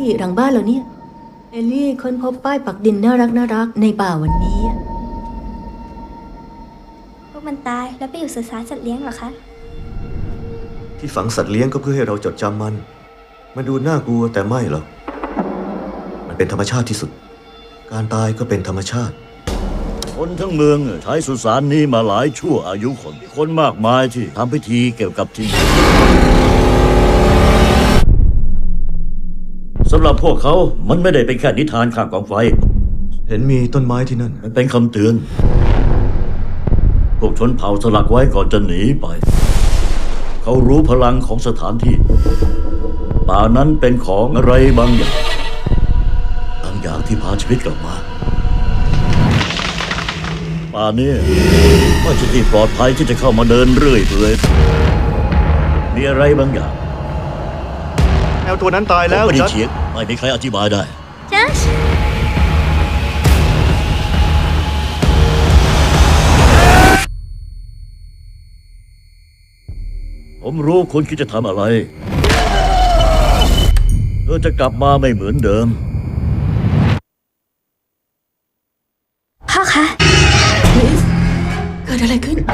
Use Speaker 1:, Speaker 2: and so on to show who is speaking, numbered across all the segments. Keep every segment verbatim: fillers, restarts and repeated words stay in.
Speaker 1: หลังบ้านเหรอเนี่ยเอลลี่ค้นพบป้ายปักดินน่ารักน่ารักในป่าวันนี้
Speaker 2: พวกมันตายแล้วไปอยู่สุสานสัตว์เลี้ยงเหรอคะ
Speaker 3: ที่ฝังสัตว์เลี้ยงก็เพื่อให้เราจดจำมันมันดูน่ากลัวแต่ไม่หรอกมันเป็นธรรมชาติที่สุดการตายก็เป็นธรรมชาติ
Speaker 4: คนทั้งเมืองใช้สุสานนี้มาหลายชั่วอายุคนคนมากมายที่ทำพิธีเกี่ยวกับที่นี่สำหรับพวกเขามันไม่ได้เป็นแค่นิทานข้างกองไฟ
Speaker 3: เห็นมีต้นไม้ที่นั่น
Speaker 4: มันเป็นคำเตือนพวกชนเผ่าสลักไว้ก่อนจะหนีไปเขารู้พลังของสถานที่ป่านั้นเป็นของอะไรบางอย่างบางอย่างที่พาชีวิตกลับมาป่านี้ไม่ใช่ที่ปลอดภัยที่จะเข้ามาเดินเรื่อยเปื่อยมีอะไรบางอย่าง
Speaker 3: แมวตัวนั้นตายแล้ว
Speaker 4: ไม่ได้เฉียดไม่มีใครอธิบายได้
Speaker 2: จัส
Speaker 4: ผมรู้คุณคิดจะทำอะไรเธอจะกลับมาไม่เหมือนเดิม
Speaker 2: พ่อคะ
Speaker 1: ลิสเกิดอะไรขึ้น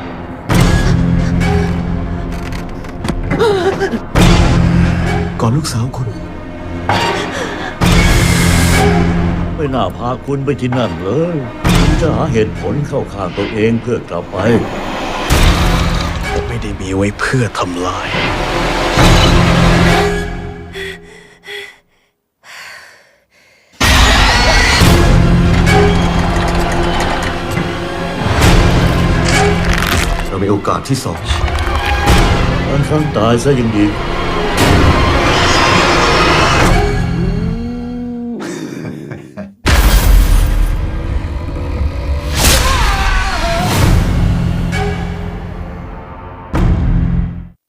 Speaker 3: ก่อนลูกสาวคุณ
Speaker 4: ไม่น่าพาคุณไปที่นั่นเลยคุณจะหาเหตุผลเข้าข้างตัวเองเพื่อกลับไป
Speaker 3: ผมไม่ได้มีไว้เพื่อทำลายเรามีโอกาสที่สอง
Speaker 4: บางครั้งตายซะยังดี